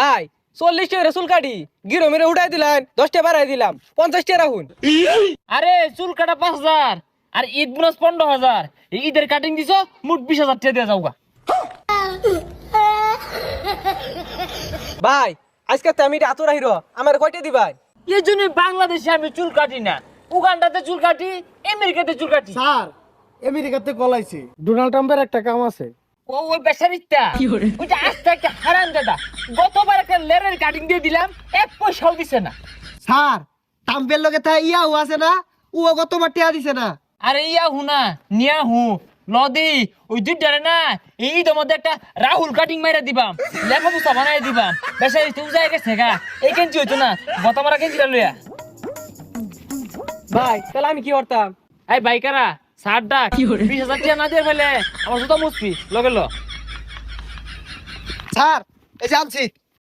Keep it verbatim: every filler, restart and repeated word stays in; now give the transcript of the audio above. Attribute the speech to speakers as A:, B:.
A: ভাই চল্লিশ টাকা চুল কাটি গিরো মেরে উঠাই দিলেন দশ টাকা বাড়াই দিলাম পঞ্চাশ টাকা রাখুন।
B: আরে চুল কাটা পাঁচ হাজার আর ঈদ বোনাস পনেরো হাজার ঈদের কাটিং দিছো মোট বিশ হাজার টাকা দিয়ে যাওগা।
A: ভাই আজকে তো আমি এত রাহিরো আমার কয়টা দিবাই?
B: এই জন্য বাংলাদেশে আমি চুল কাটি না, উগান্ডাতে চুল কাটি, আমেরিকাতে চুল কাটি।
C: স্যার আমেরিকাতে কলাইছে ডোনাল্ড ট্রাম্পের একটা কাম আছে।
B: ও ওই বেচারিটা ওইটা আস্তে একটা হারাম দাদা, গতবার একটা লেরের কাটিং দিয়ে দিলাম এক পয়সাও দিছে না।
C: স্যার ট্রাম্পের লগে তা ইয়াও আছে না, ও গতবার টিয়া দিছে না।
B: আরে ইয়া হুনা নিয়া হু লদি ওই দুইটারে না এই ঈদের মধ্যে একটা রাহুল কাটিং মাইরা দিবাম, লেখা বুঝা বানাই দিবাম। বেচারি তুই যাই গেছে গা, এই কেঞ্চি হইতো না গতবার কেঞ্চিটা লইয়া।
A: ভাই তাহলে আমি কি করতাম?
B: এই বাইকারা সার ডাক বিশ হাজার টাকা না দিয়ে ফেলে আমার জুতা মুসপি লগে ল।
C: স্যার এই যে আনছি।